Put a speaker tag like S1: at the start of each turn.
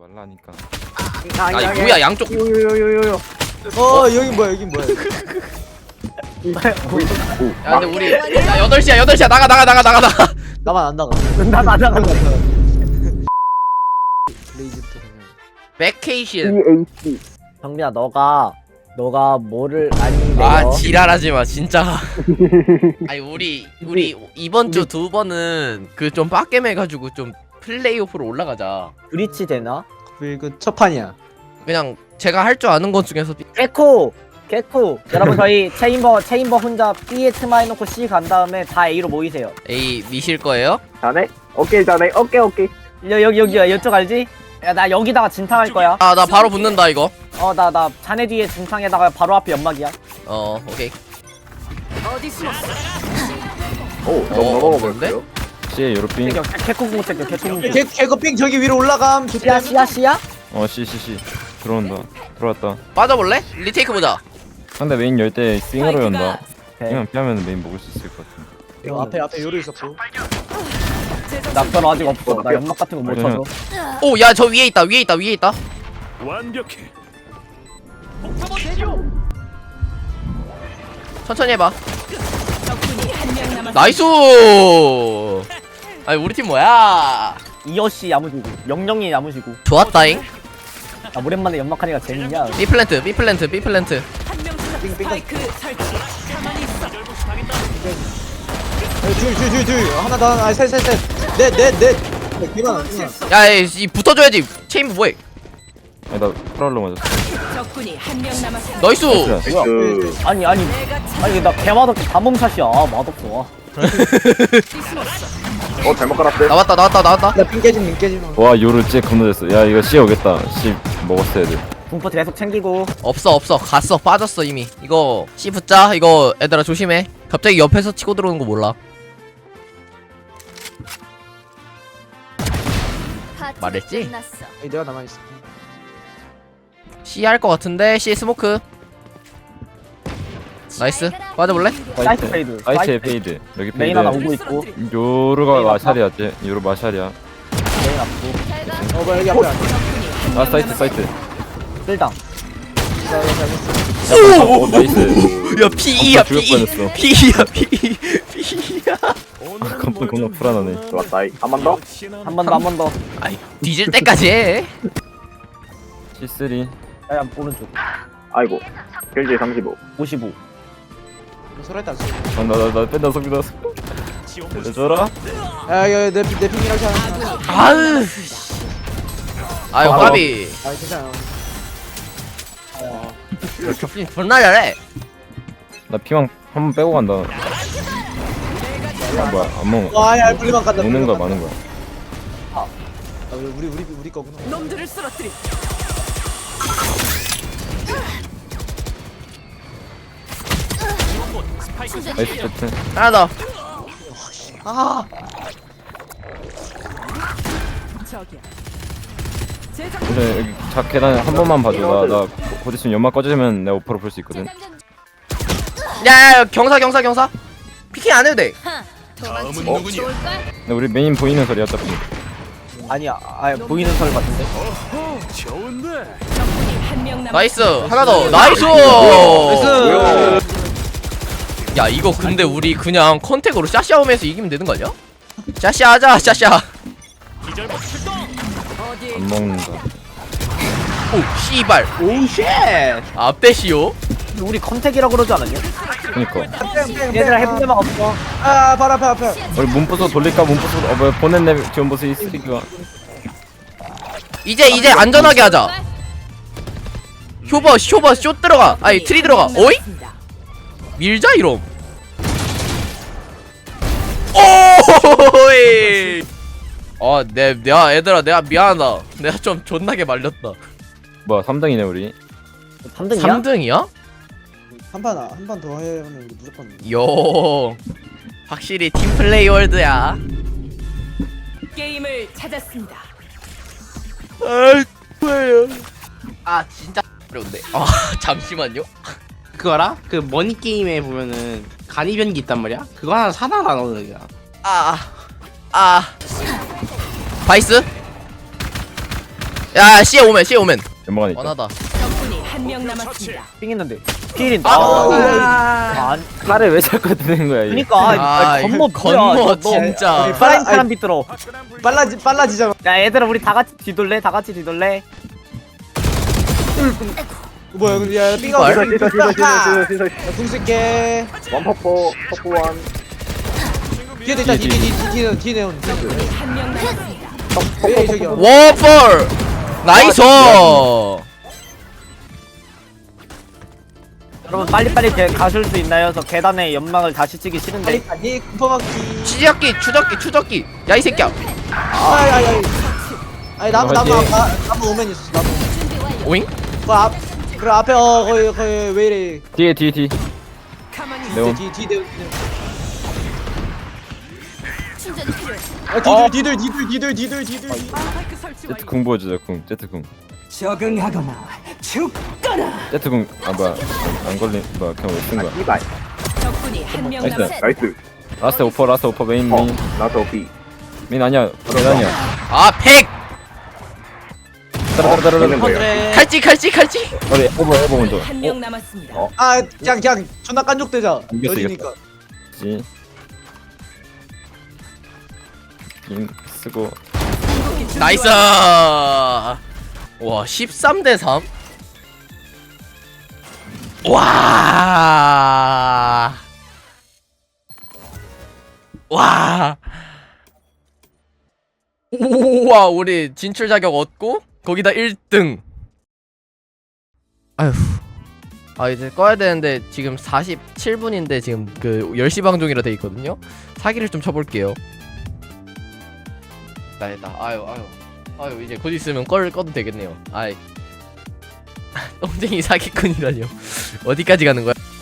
S1: 말라니까.
S2: 아 뭐야 양쪽.
S3: 요요요요요.
S4: 여긴 뭐야 여긴 뭐야.
S2: 야 근데 우리 야 8시야 나가.
S4: 나만 안 나가.
S3: 난 안 나간다.
S4: 레이즈부터 그냥.
S2: 베케이션.
S3: 정민아 너가 뭐를 아닌데.
S2: 아 지랄하지마 진짜. 아니 우리 이번 주 2번은 그 좀 빡겜 해가지고 좀 플레이오프로 올라가자.
S3: 브리치 되나?
S4: 그 첫 판이야.
S2: 그냥 제가 할 줄 아는 것 중에서
S3: 개코 여러분 저희 체인버 혼자 B에 트마 해놓고 C 간 다음에 다 A로 모이세요.
S2: A 미실 거예요?
S5: 자네? 오케이 자네 오케이
S3: 여기야 이쪽 알지? 야 나 여기다가 진탕할 거야.
S2: 아 나 바로 붙는다 이거.
S3: 나 자네 뒤에 진탕에다가 바로 앞에 연막이야.
S2: 오케이.
S5: 오 너무 넘어가
S2: 없는데?
S5: 버렸어요.
S1: C에 요로핑.
S3: 개코 공책개코 공책.
S4: 개거핑 저기 위로 올라감.
S3: 씨야?
S1: C 들어온다. 들어왔다.
S2: 빠져볼래? 리테이크 보자.
S1: 상대 메인 열 때 싱으로 연다.
S3: 오케이.
S1: 그냥 피하면 메인 먹을 수 있을 것 같은데.
S4: 앞에 요로 있었고.
S3: 나 별로 아직 없어. 나 연막 같은 거 못
S1: 그러면-
S3: 쳐줘.
S2: 오 야 저 위에 있다.
S6: 완벽해.
S2: 천천히 해봐. 나이스. 아니 우리 팀 뭐야?
S3: 이어씨 야무지고 영영이 야무지고.
S2: 좋았다잉.
S3: 나 오랜만에 연막하니까 재밌냐?
S2: B 플랜트.
S4: 둘 하나 더 하나 셋 넷. 기만.
S2: 야, 이 붙어줘야지. 체인부 뭐해?
S1: 아니 나 프라울로 맞았어.
S7: 적군이 한 명 남았습니다.
S2: 나이스.
S3: 뭐야?
S5: 그
S3: 아니 나 개맛없게 다 몸샷이야. 맛없어.
S5: 잘못 깔았대.
S2: 나왔다.
S4: 나핑 깨짐.
S1: 와 요로 쟤 겁나 됐어. 야 이거 C 오겠다. C 먹었어야 돼.
S3: 분포 계속 챙기고.
S2: 없어. 갔어. 빠졌어 이미. 이거 C 붙자. 이거 얘들아 조심해. 갑자기 옆에서 치고 들어오는 거 몰라. 말했지?
S4: 내가 남아 있어.
S2: C 할 거 같은데 C 스모크. 나이스. 빠져볼래?
S3: 사이트 페이드.
S1: 사이트에 페이드. 여기
S3: 메인 하나
S1: 페이드.
S3: 오고 있고.
S1: 요로가 마샬이야. 쟤 요로 마샬이야.
S3: 메인 앞고.
S4: 뭐야 여기 앞에.
S1: 아 사이트.
S3: 쓸당.
S1: 오 나이스.
S2: 야 P2야
S1: 죽을 뻔했어.
S2: P야.
S1: 깜짝 겁나 불안하네.
S5: 좋았다. 한 번 더.
S3: 한 번 더.
S2: 아이 뒤질 때까지 해.
S1: C3.
S3: 야 오른쪽.
S5: 아이고. 길지 35.
S3: 55.
S4: 소라했다.
S1: 나 뺀다 속이다. 줘라.
S4: 야내 핑이라고 하나.
S2: 아유 까비.
S4: 아 괜찮아.
S2: 존나 잘해.
S1: 나 피망 한 번 빼고 간다. 아 뭐야 안 먹어.
S4: 와야 분리만 간다.
S1: 먹는 거야 많은 거야.
S4: 우리 거구나.
S7: 놈들을 쓰러뜨리.
S1: 나이스 세트.
S2: 하나 더.
S4: 아
S7: 저기야.
S1: 근데 여기 자 계단 한 번만 봐줘. 나 곧 있으면 연막 꺼지면 내가 오퍼로 볼 수 있거든.
S2: 야 경사. 피킹 안 해도 돼.
S6: 다음은 누구냐?
S1: 근데 우리 메인 보이는 소리 어차피.
S3: 아니야. 보이는 설 같은데.
S6: 좋은데.
S7: 적군이 한 명 남았습니다.
S2: 나이스. 하나 더. 나이스. 야 이거 근데 우리 그냥 컨택으로 샤샤오면서 이기면 되는 거 아니야? 샤샤하자 샤샤.
S6: 기절복 출동.
S7: 어디에
S1: 안 먹는다.
S2: 오 씨발.
S3: 오 쉣.
S2: 앞대시오.
S3: 우리 컨택이라고 그러지 않았냐?
S1: 그니까.
S3: 얘들아 해본 데만 없어.
S4: 아 바로 앞에.
S1: 우리 문부서 돌릴까 문부서 뭐야 보냈네 지원 보스 이 쓰레기가.
S2: 이제 안전하게 하자. 쇼버 쇼 들어가. 아니 트리 들어가. 어이? 밀자 이놈. 오이. 내가 얘들아 내가 미안하다. 내가 좀 존나게 말렸다.
S1: 뭐야 3등이네 우리.
S3: 3등이야?
S2: 3등이야?
S4: 한 판 더 하면 무조건.
S2: 요. 확실히 팀플레이 월드야.
S7: 게임을 찾았습니다.
S2: 아 진짜 어려운데. 아 잠시만요.
S8: 그거 알아? 그 머니 게임에 보면은 간이 변기 있단 말이야? 그거 하나 사다 놔놓는 거야.
S2: 바이스? 야 C에 오면 C에 오면
S1: 연막 안에 있다.
S2: 원하다.
S7: 적군이 한 명 남았습니다.
S3: 삥 있는데 필인데
S1: 칼을 왜 자꾸 드는 거야? 이게?
S3: 그니까
S2: 아,
S3: 건모
S2: 건모 진짜.
S3: 프라임 사람 비뚤어.
S4: 빨라지잖아.
S3: 야 얘들아 우리 다 같이 뒤돌래? 다 같이 뒤돌래?
S4: 뭐야 근데 야 삥가
S2: 말.
S5: 시설
S4: 궁 쓸게.
S5: 원퍼포 퍼포1
S4: 뒤에 있다 뒤에 내온.
S7: 적군이 한 명 남았습니다.
S4: 왜 저기야?
S2: 워펄 나이스.
S3: 여러분 빨리빨리 가실 수 있나요? 저 계단에 연막을 다시 치기 싫은데.
S4: 아니 kum퍼막기.
S2: 추적기 추적기 야 이 새끼야.
S4: 아니 나무 오면 있었어 나무.
S2: 오잉?
S4: 그 앞에 거기 왜 이래?
S1: 뒤에 뒤.
S7: 가만히
S1: 네온.
S4: 뒤.
S7: 충전 필요해.
S4: 뒤들.
S7: 스파이크 설치
S1: 제트
S7: 완료.
S1: 궁 보여주자 궁. 제트 궁.
S3: 적응하거나 죽거나.
S1: 제트 궁. 아 뭐야 안 걸린 뭐야 그냥 왜쓴 거야?
S5: 이발
S7: 적군이 한 명
S1: 나이스.
S7: 남았습니다.
S5: 나이스
S1: 라스트 오퍼 메인
S5: 나도 B
S1: 메인 아니야. 메인 아니야.
S2: 아 팩.
S1: 따라따라따라.
S5: 있는 거예요
S2: 칼찌
S1: 우리 에버 먼저.
S7: 한 명 남았습니다.
S4: 아 그냥 존나 깐족대자.
S1: 이겼어,
S4: 여기니까.
S1: 지. 긴 쓰고.
S2: 나이스. 와 13대 3. 와. 우와 우리 진출 자격 얻고 거기다 1등. 아휴. 아 이제 꺼야 되는데 지금 47분인데 지금 그 10시 방송이라 돼 있거든요. 사기를 좀 쳐볼게요. 나했다. 아유 이제 곧 있으면 꺼도 되겠네요. 아이 똥쟁이 사기꾼이라뇨. 어디까지 가는 거야?